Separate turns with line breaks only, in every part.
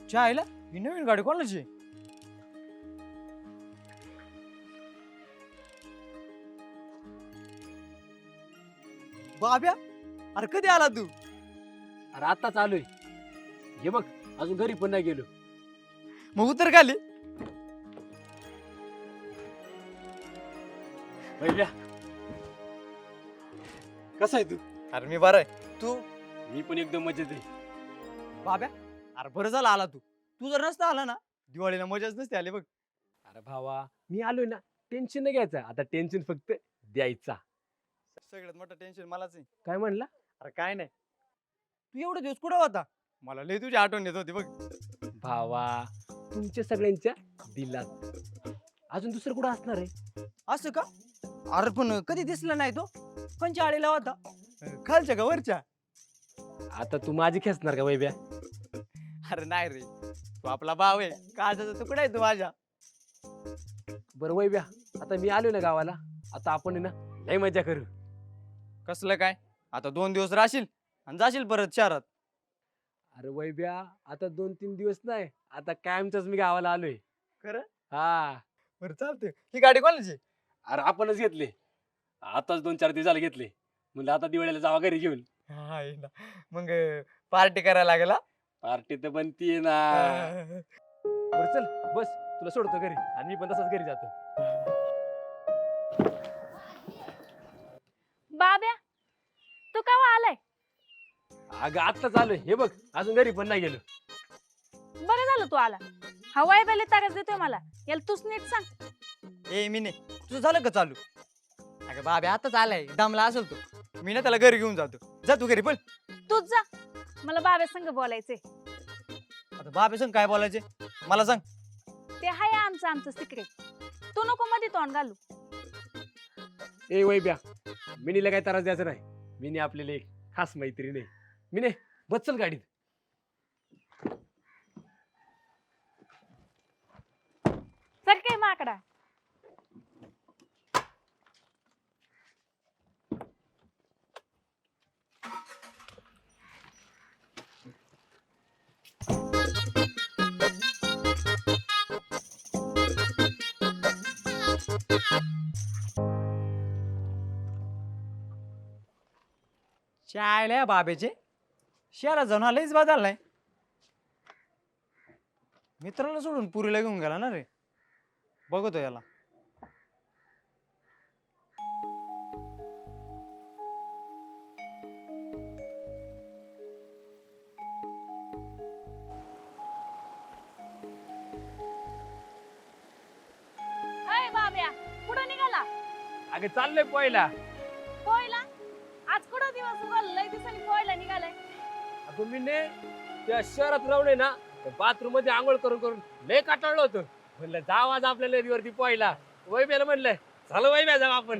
चायला ही नवीन गाडी कोणाची? बाब्या, अरे कधी आला तू?
अरे आता चालू आहे. हे बघ अजून घरी पण नाही गेलो.
मग उतर खाली.
वैभ्या कसा आहे तू?
अरे मी बरं आहे, तू?
मी पण एकदम मजेत आहे.
बाब्या, अरे बरं झालं आला तू. तू जर नसता आला ना, दिवाळीला मजाच नसते आली बघ.
अरे भावा मी आलोय ना, टेन्शन नाही घ्यायचं. आता टेन्शन फक्त द्यायचा.
सगळ्यात मोठं टेन्शन मलाच आहे.
काय म्हणला?
अरे काय नाही, तू एवढे दिवस कुठं होता? मला लय तुझी आठवण येत होती बघ.
भावा तुमच्या सगळ्यांच्या दिलात अजून दुसरं कुठं असणार आहे?
असं का? अरे पण कधी दिसला नाही तो. कोणच्या आळीला होता? खालच्या का वरच्या?
आता तू माझी खेचणार का वैभ्या?
अरे नाही रे, तू आपला भाव आहे, काळजाचा तुकडा आहे तू माझ्या.
बरं वैभ्या, आता मी आलोय ना गावाला. आता आपण आहे ना लय मजा करू.
कसलं काय? आता 2 दिवस राहशील आणि जाशील परत शहरात.
अरे वैभ्या आता 2-3 दिवस नाही, आता कायमच मी गावाला आलोय.
खरं?
हा.
बरं चालतंय. ही गाडी कोणाची?
अरे आपणच घेतले. आताच 2-4 दिवस झाले घेतले. म्हणलं आता दिवाळीला जावा घरी घेऊन.
हा आहे ना. मग पार्टी करायला लागेल हा?
पार्टी तर बनतीये ना. बरं चल बस, तुला सोडतो घरी आणि मी पण तसाच घरी जातो.
बाब्या, तू केव्हा आलाय?
अगं आत्ताच आलोय. हे बघ अजून घरी पण नाही गेलो.
बरं झालं तू आला. हवाय बेले ताकद देतोय मला. याला तूच नीट सांग.
ए मी नाही, तुझं झालं का चालू? अगं बाबा आताच आलाय, दमला असेल तू. मी ना त्याला घरी घेऊन जातो. जा तू घरी पण.
तूच जा. मला बाब्या संग बोलायचंय.
आता बाबा संग काय बोलायचे मला सांग.
ते हाय आमचं सिक्रेट. तू नको मध्ये तोंड घालू.
ए वैब्या, मिनीला काय त्रास द्यायचा नाही. मिनी आपल्याला एक खास मैत्रीण आहे. मिने बस चल गाडीत.
सर काय माकडा.
चायला बाबेचे शहरात जाऊन आलेच बदल नाही. मित्राला सोडून पुरीला घेऊन गेला ना रे. बघतो याला.
अय बाब्या, कुठं निघाला?
अगं चाललोय पोहायला.
पोहायला? आज कुठं दिवस उगवला? लय दिवसांनी पोहायला निघालाय.
अगं मिने त्या शहरात राहून ना बाथरूम मध्ये आंघोळ करून करून लय काटाळलो होतो. म्हणलं जाव आज आपल्या नदीवरती पोहायला. वैब्याला म्हणलं झालं वैब्या जाऊ आपण.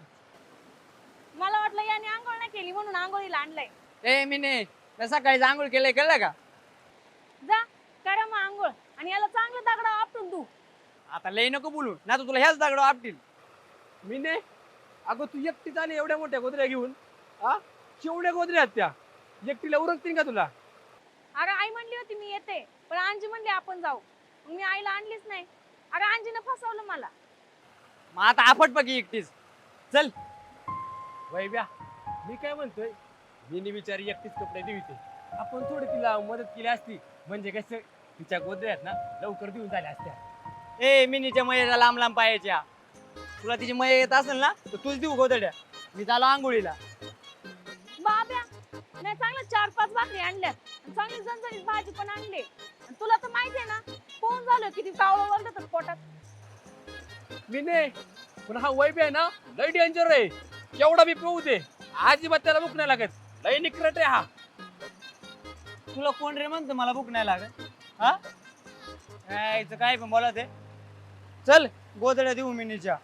मला वाटलं याने आंघोळ नाही केली म्हणून आंघोळीला आणलंय.
ए मी नाही, सकाळी आंघोळ केलंय कळलं का?
जा करा मग आंघोळ आणि याला चांगलं दगडा आपटून तू.
आता लय नको बोलू ना, तुला ह्याच दगड आपटील.
मिने अगं तू एकटीच आली एवढ्या मोठ्या गोदऱ्या घेऊन. हा केवढ्या गोदऱ्या आहेत त्या? एकटीला उरकतील का तुला?
अगं आई म्हणली होती मी येते, पण अंजी म्हणली आपण जाऊ. मग मी आईला आणलीच नाही. अगं अंजीनं फसवलं मला.
मग आता आपट पकी एकटीच. चल.
वैब्या मी काय म्हणतोय, मिनी बिचारी एकटीच कपडे देते. आपण थोडी तिला मदत केली असती म्हणजे कसं तिच्या गोदऱ्या आहेत ना लवकर देऊन झाल्या असत्या.
ए मिनीच्या मयेच्या लांब लांब पायाच्या. तुला तिची मय येत असेल ना तर तूच देऊ गोदड्या. मी चालू आंघोळीला.
बाब्या, नाही चांगलं 4-5 भाकरी आणल्यात. चांगली झणझणीत भाजी पण आणली. तुला तर माहितीये ना कोण झालं किती कावळं वळतात पोटात.
मिने पण हा वैब्या आहे ना लय डेंजर आहे. केवढा बी पिऊ दे अजिबात त्याला भूक नाही लागत. लय निकरट आहे हा.
तुला कोण रे म्हणतो मला भूक नाही लागत? हा यायचं काय पण बोला ते. चल गोदड्या देऊ मिनीच्या.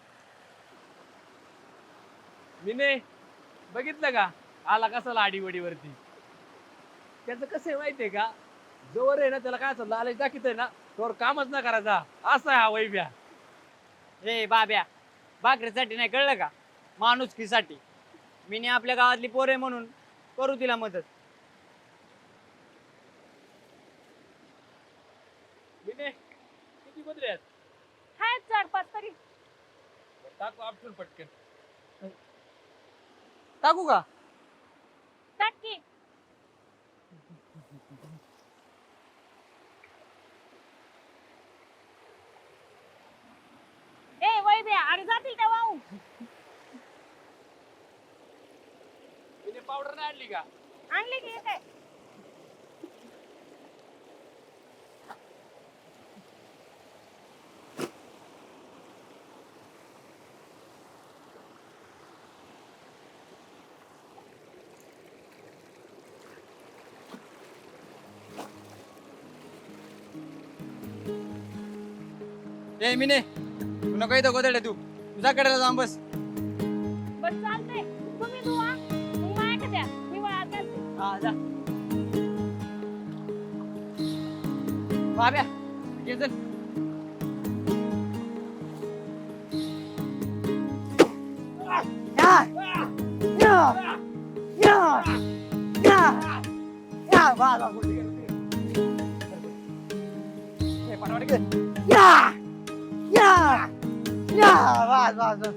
मिने बघितलं का आला कसा लाडीवडीवरती. त्याचं कसं आहे माहितीये का, जोवर आहे ना त्याला काय असं लालच दाखवत आहे ना तोवर कामच ना करायचा. असा आहे हा वैब्या.
ए बाब्या, भाकरीसाठी नाही कळलं का, माणुसकीसाठी. मिनी आपल्या गावातली पोरे म्हणून करू तिला मदत.
किती गोदरे आहेत
आहेत 4-5 तरी.
टाकू आपटून पटकन.
टाकू का?
टाक की. ए वैद्या, अरे जातील त्या वाहून.
तिने पावडर नाही आणली का?
आणले की काय?
ए मिने तू नको इथं गोदडे तू तुझ्या कडेला जाऊन बस.
बस चालतंय. तुम्ही धुवा, मग माझ्या द्या. मी वाळत घालते.
हा जा. बाब्या घे चल. या. या. या. या. या. वा, वा, गोष्टी कर. ए, पाठवाडे कर. या. या. या. वा, वा, वा.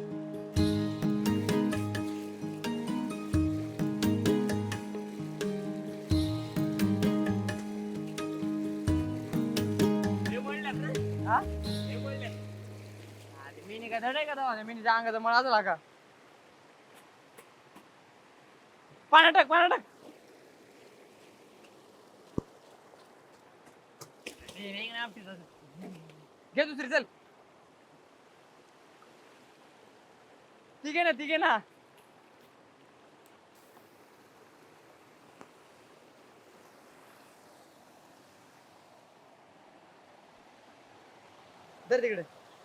हे म्हणल्यात रे.
हा?
हे म्हणल्यात.
अरे मिनी काय धड आहे का तेव्हा? मिनीच्या अंगाचा मळा झाला का? पाण्यात टाक, पाण्यात टाक. घे दुसरी चल. ठीक आहे ना, ठीक आहे ना. धर तिकडे.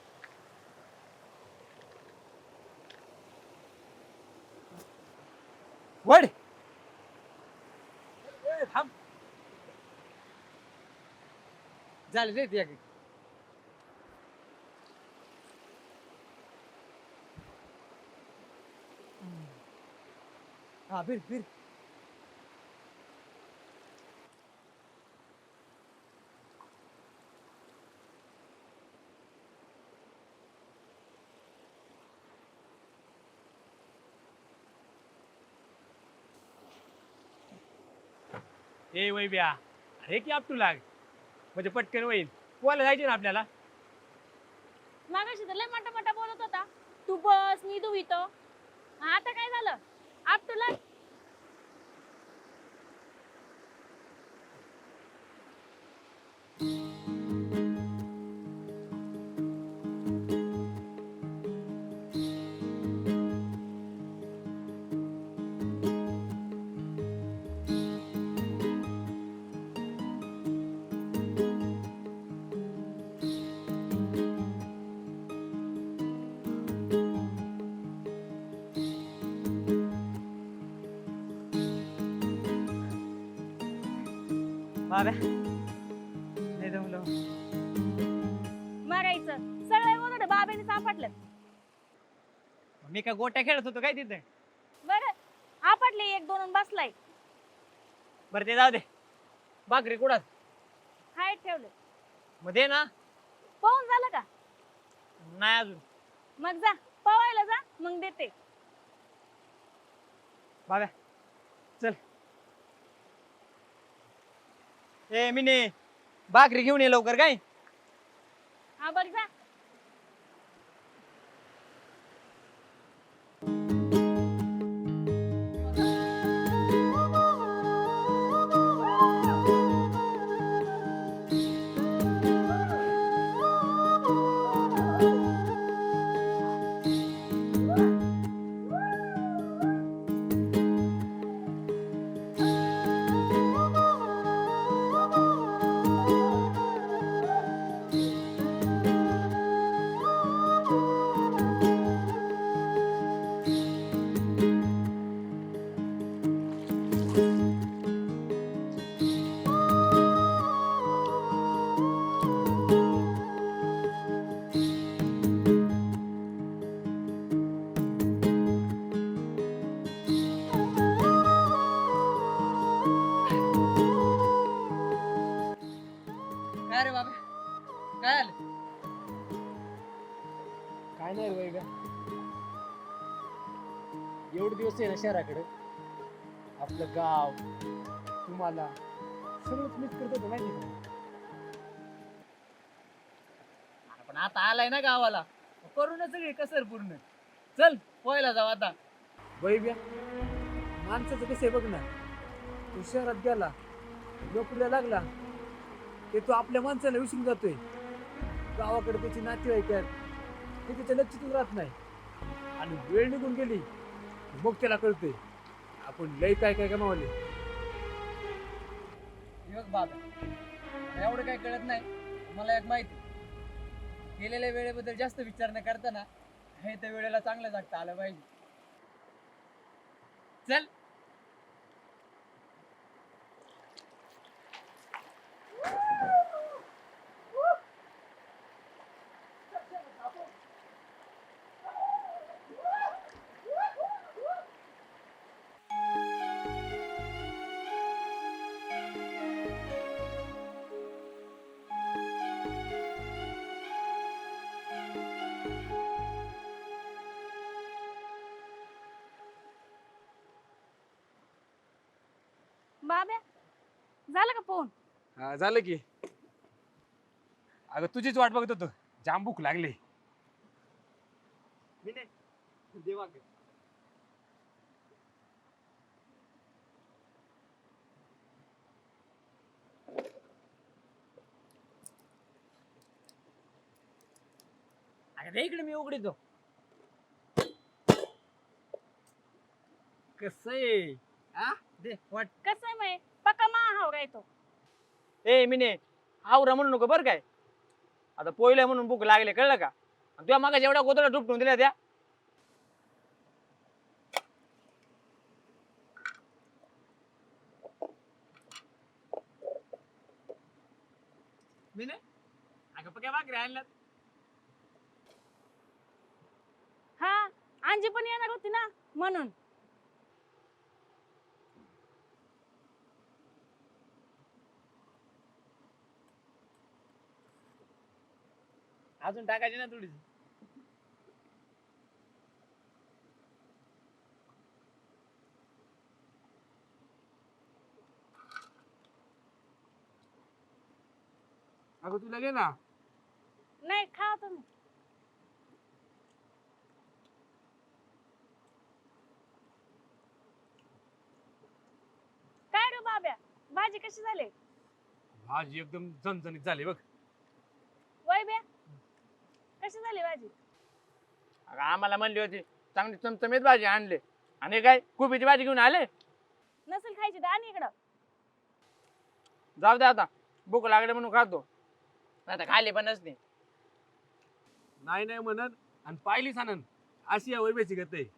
वड
ए, थांब.
झाले रे ती. हा फिर फिर.
ए वैब्या, अरे की आपटू लाग म्हणजे पटकन होईल. पोहायला जायचे ना आपल्याला.
मागाशी तर लय मोठा बोलत होता. तू बस, मी धुवितो. आता काय झालं? आप तुला
बाब्या नाही जमलं.
मारायचं. सगळे बोलत बाबेने सापडलं.
मी काय गोट्या खेळत होतो काय तिथे?
बरं, आपटले 1-2 बसलाय.
बरं ते जाऊ दे. भाकरी कुडात
हाय ठेवलं.
मग दे ना.
पाहून झालं का?
नाही अजून.
मग जा पवायला जा, मग देते.
बाब्या चल. ए मिनी भाकरी घेऊन ये लवकर काय.
हा बघ जा.
काय रे बाबा काय आलं?
काय नाही रे का एवढे दिवस आहे ना शहराकडे आपलं गाव तुम्हाला सगळंच मिस करत होतं माहिती का.
पण आता आलाय ना गावाला, करू ना सगळी कसर पूर्ण. चल पोहायला जाऊ आता.
वैभ्या माणसाचं कसं आहे बघ ना, तू शहरात गेला नोकरीला लागला ते तो आपल्या माणसाला विसरून जातोय. गावाकडे त्याची नातेवाईक आहेत ते त्याच्या लक्षातच राहत नाही आणि वेळ निघून गेली मग त्याला कळतंय आपण लय काय काय कमावले.
हे बघ बाबा, एवढं काय कळत नाही मला. एक माहिती, केलेल्या वेळेबद्दल जास्त विचार न करताना हे त्या वेळेला चांगलं जगता आलं पाहिजे. चल.
बाब्या झालं का पोहून?
झालं की. अगं तुझीच वाट बघत होतो, जाम भूक लागली.
मी नाही देवा ग. अरे इकडे मी उघडीतो.
कसं आहे
दे वाट.
कसं आहे माय पक्का महाव तो.
ए मिने, आवरा म्हणू नको बरं काय. आता पोयला म्हणून भूक लागले, कळलं का. आणि तुझ्या मागा जेवढा गोदडा डुपटून दिल्या त्या. मिने अगं पक्या भाकरी आणल्यात.
हा अंजी पण येणार होती ना म्हणून.
अजून टाकायची ना थोडीशी.
अगं तुला घे ना.
नाही खा तुम्ही. काय रे बाब्या, भाजी कशी झाली?
भाजी एकदम झणझणीत झाली बघ.
वैब्या कशी झाली भाजी?
अगं आम्हाला म्हणली होती चांगली चमचमीत भाजी आणले, आणि काय कोबीची भाजी घेऊन आले.
नसेल खायची तर आणि इकडं.
जाऊ दे आता, भूक लागले म्हणून खातो, आता खाली पण नसते.
नाही नाही म्हणत आणि पाहिलीच आनंद अशी या वैभ्याची गत आहे.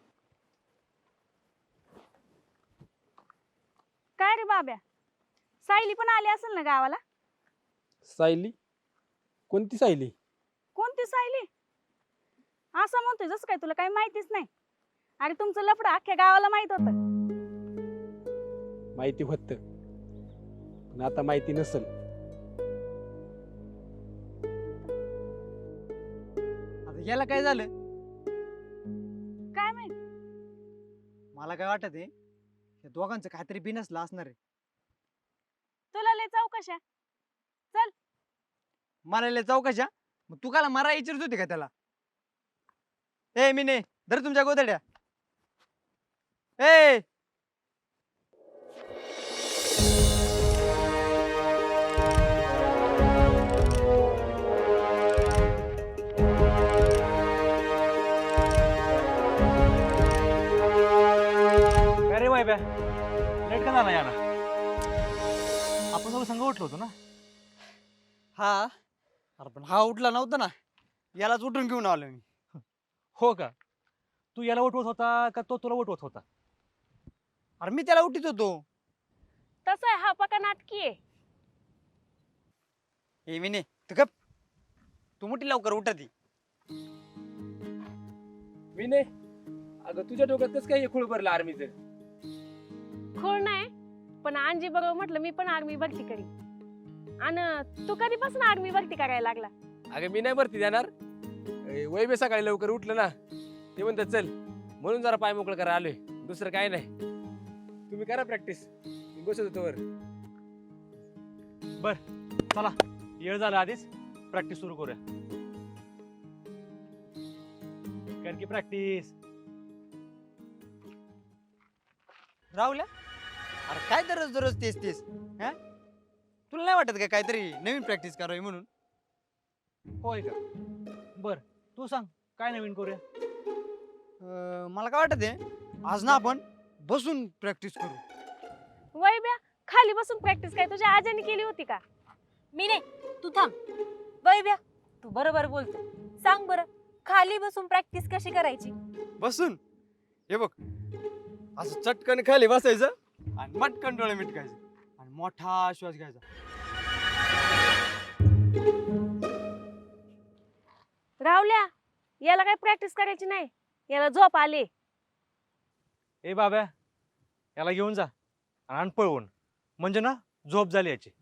काय रे बाब्या, सायली पण आली असेल ना गावाला?
सायली? कोणती सायली?
कोणती सायली? असं म्हणतोय जसं काय तुला काही माहितीच नाही. अरे तुमचं लफडं अख्ख्या गावाला माहित होतं.
माहिती होत पण आता माहिती नसल.
आता याला काय झालं
काय माहित?
मला काय वाटत आहे, या दोघांचं काहीतरी बिनसलं असणार आहे.
तुला लय चौकशा.
मला लय चौकशा. मग तू काला मारा विचारत होती का त्याला? ए मिने, धर तुमच्या गोदड्या. ए
अरे वाय लेट का झाला याला? आपण सगळं संघ उठलो होतो ना.
हा, अरे पण हा उठला नव्हता ना, यालाच उठून घेऊन आलो मी.
हो का? तू याला उठवत होता का तो तुला उठवत होता?
अरे मी त्याला उठीत होतो.
तसं आहे, हा पक्का नाटकी आहे.
ए मिने तू गप, तू मोठी लवकर उठती.
मी नाही. अगं तुझ्या डोक्यात कसं काय खूळ भरलं आर्मीचं?
खोड नाही, पण अंजी बरोबर म्हटलं मी पण आर्मी भरती करी. आणि तू कधीपासून आर्मी भरती करायला लागला?
अगं मी नाही भरती देणार. वैभे सकाळी लवकर उठलं ना ते म्हणतात चल म्हणून जरा पाय मोकळं करा आलोय, दुसरं काय नाही. तुम्ही करा प्रॅक्टिस, बसत होतो वर.
चला येळ झाला, आधीच प्रॅक्टिस सुरू करूया. कर की प्रॅक्टिस.
राहुल्या, अरे काय दररोज दररोज तेच तेच हा? तुला नाही वाटत का काहीतरी नवीन प्रॅक्टिस करावी म्हणून?
होय का? बर तू सांग काय नवीन करूया.
मला काय वाटत आहे आज ना आपण बसून प्रॅक्टिस करू.
वैभ्या, खाली बसून प्रॅक्टिस काय तुझ्या आजीने केली होती का?
मी नाही, तू थांब. वैभ्या, तू बरोबर बोलतो. सांग बरं, खाली बसून प्रॅक्टिस कशी करायची?
बसून हे बघ, असं चटकन खाली बसायचं आणि मटकन डोळे मिटकायचं आणि मोठा श्वास घ्यायचा.
राहुल्या, याला काय प्रॅक्टिस करायची नाही, याला झोप आली.
ए बाब्या, याला घेऊन जा आणि आण पळवून, म्हणजे ना झोप झाली याची.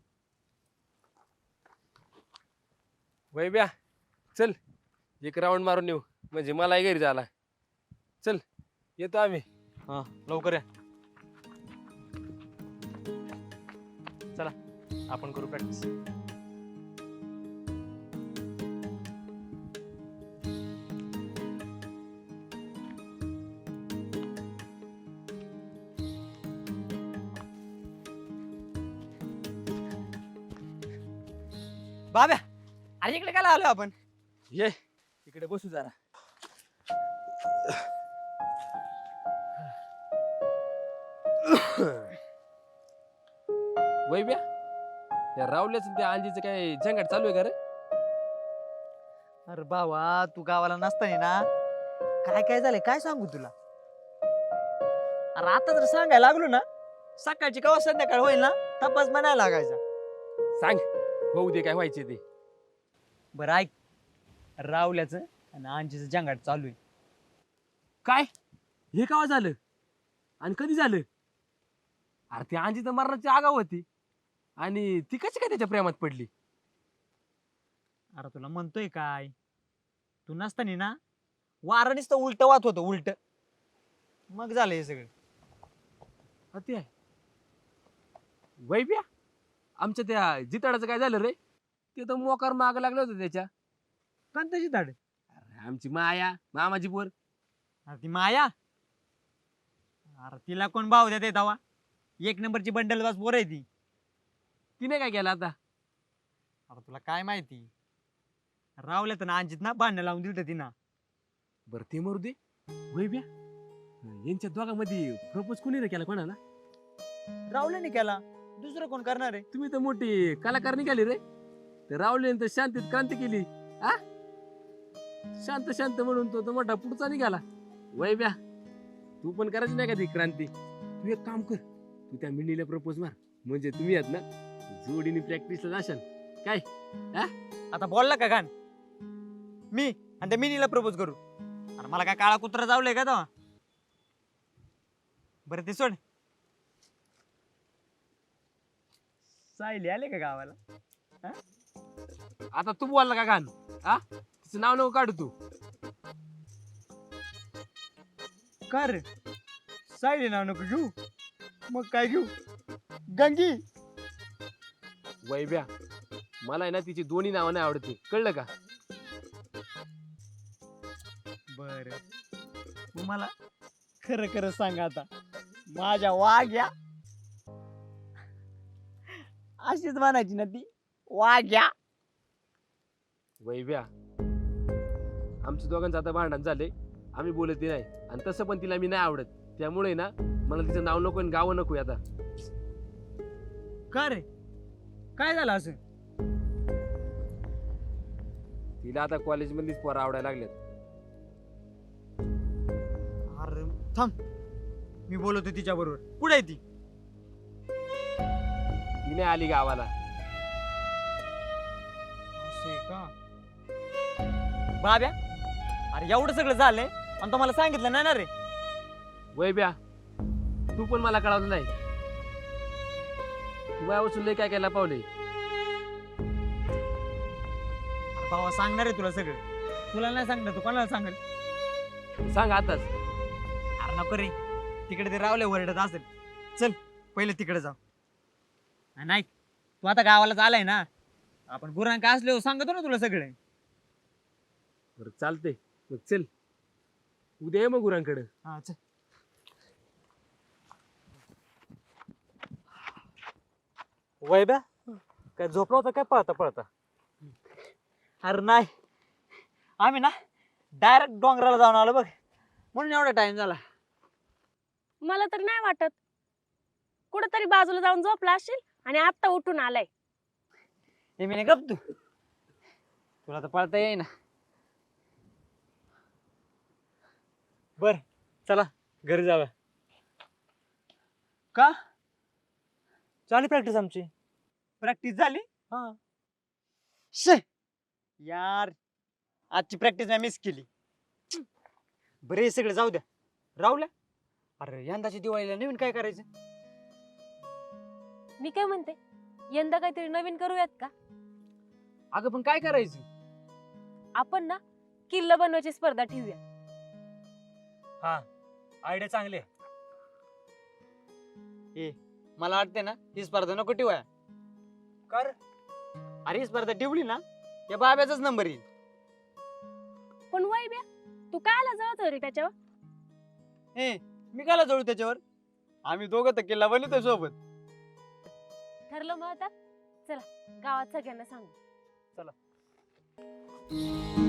वैभ्या चल एक राऊंड मारून येऊ, म्हणजे मलाही घरी झाला. चल येतो आम्ही.
हा लवकर या. चला आपण करू प्रॅक्टिस.
बाब्या, अरे इकडे काय आलो आपण?
ये इकडे बसू जरा. वैभ्या, या रावल्याचं त्या अंजीचं काय झंगाट चालू आहे का रे?
अरे बाबा, तू गावाला नसताना ना काय काय झालंय काय सांगू तुला? अरे आता जर सांगायला लागलो ना, सकाळची कवा संध्याकाळ होईल ना तपास म्हणायला लागायचा.
सांग होऊ दे काय व्हायचे ते.
बरं ऐक, रावल्याचं आणि अंजीचं जंगाट चालू आहे.
काय हे केव्हा झालं आणि कधी झालं? अरे ती अंजी तर मरणाची आगाव होती आणि ती कशी काय त्याच्या प्रेमात पडली?
अरे तुला म्हणतोय काय, तू नसताना ना वारं नुसतं उलट वाहत होतं उलट, मग झालं हे सगळं.
हा ते आहे. वैभ्या, आमच्या त्या जिताडाचं काय झालं रे? ते तर मोकार माग लागलं होतं त्याच्या.
कोणत्याची धाड?
अरे आमची माया, मामाची पोर.
अरे ती माया, अरे तिला कोण भाव देते तवा? एक नंबरची बंडल बाज पोर आहे ती.
तिने काय केलं आता?
अरे तुला काय माहिती, रावल्या तर ना अंजित ना भांडण लावून दिलं तिनं.
बरं ते मरू दे. वैभ्या, यांच्या दोघांमध्ये प्रपोज कोणी रे केला कोणाला?
रावल्याने केला, दुसरं कोण करणार आहे?
तुम्ही तर मोठी कलाकार निघाली रे. ते रावल्याने तर शांतीत क्रांती केली. आ शांत शांत म्हणून तो मोठा पुढचा निघाला. वैभ्या, तू पण करायची नाही का ती क्रांती? तू एक काम कर, तू त्या मिनीला प्रपोज मार, म्हणजे तुम्ही आहेत ना जोडीने प्रॅक्टिसला जाशाल. काय
आता बोलला का गाण मी आणि त्या मिनीला प्रपोज करू? अरे मला काय काळा कुत्रा जावलंय का तेव्हा? बरं ते सोड, सायली आले का गावाला?
आता तू बोलला का गाण? आ तिचं नाव नको काढू तू.
का रे, सायली नाव नको घेऊ, मग काय घेऊ? गंगी.
वैभ्या, मला आहे ना तिची दोन्ही नावं नाही आवडते, कळलं का?
बर, तू मला खरं खरं सांग आता, माझ्या वाघ्या अशीच म्हणायची ना ती, वाघ्या?
वैभ्या, आमच्या दोघांचं आता भांडण झाले, आम्ही बोलत नाही, आणि तसं पण तिला मी नाही आवडत, त्यामुळे ना मला तिचं नाव नको आणि गाव नको आता.
का रे, काय झालं असं?
तिला आता कॉलेजमधलीच पोरं आवडायला लागल्यात.
अरे थांब, मी बोलतो तिच्या बरोबर. कुठे आहे ती?
ती नाही आली गावाला.
असं आहे का? बाब्या, अरे एवढं सगळं झालंय आणि तो मला सांगितलं नाही ना रे.
वैभ्या, तू पण मला कळवलं नाही. तू माझ्यापासून लय काय केला पावले.
अरे भावा सांगणार आहे तुला सगळं. तुला नाही सांगणार तू कोणाला सांगेल?
सांग आताच.
अरे नको रे, तिकडे ते रावले ओरडत असेल. चल पहिले तिकडे जाऊ. नाही तू आता गावाला आलाय ना, आपण गुरांक असले सांगतो ना तुला सगळे.
बरं चालतंय, मग चल उद्या ये मग गुरांकडे.
हा चल.
वैब्या काय झोपला होता काय पळता पळता?
अरे नाही, आम्ही ना डायरेक्ट डोंगराला जाऊन आलो बघ, म्हणून एवढा टाइम झाला.
मला तर नाही वाटत. कुठेतरी बाजूला जाऊन झोपला असशील आणि आता उठून आलाय.
हे मी नाही गप तू, तुला तर पळता येईना.
बर चला घरी जाऊया.
का?
चालली प्रॅक्टिस आमची.
प्रॅक्टिस झाली?
हा.
शे यार, आजची प्रॅक्टिस मी मिस केली. बरे हे सगळे जाऊ द्या, राहुल्या. अरे यंदाच्या दिवाळीला नवीन काय करायचं?
मी काय म्हणते, यंदा काहीतरी नवीन करूयात का?
अगं पण काय करायचं?
आपण ना किल्ला बनवायची स्पर्धा ठेवूया.
हा आयडिया चांगली आहे.
मला वाटते ना ही स्पर्धा नको ठेवाया.
कर.
अरे ही स्पर्धा ठेवली ना या बाब्याचाच नंबर येईल.
पण वैभ्या, तू कायला जळत रे त्याच्यावर?
मी काला जोडू त्याच्यावर? आम्ही दोघं तर किल्ला बनवतोय सोबत.
ठरलं मग आता, चला गावात सगळ्यांना सांगू.
चला.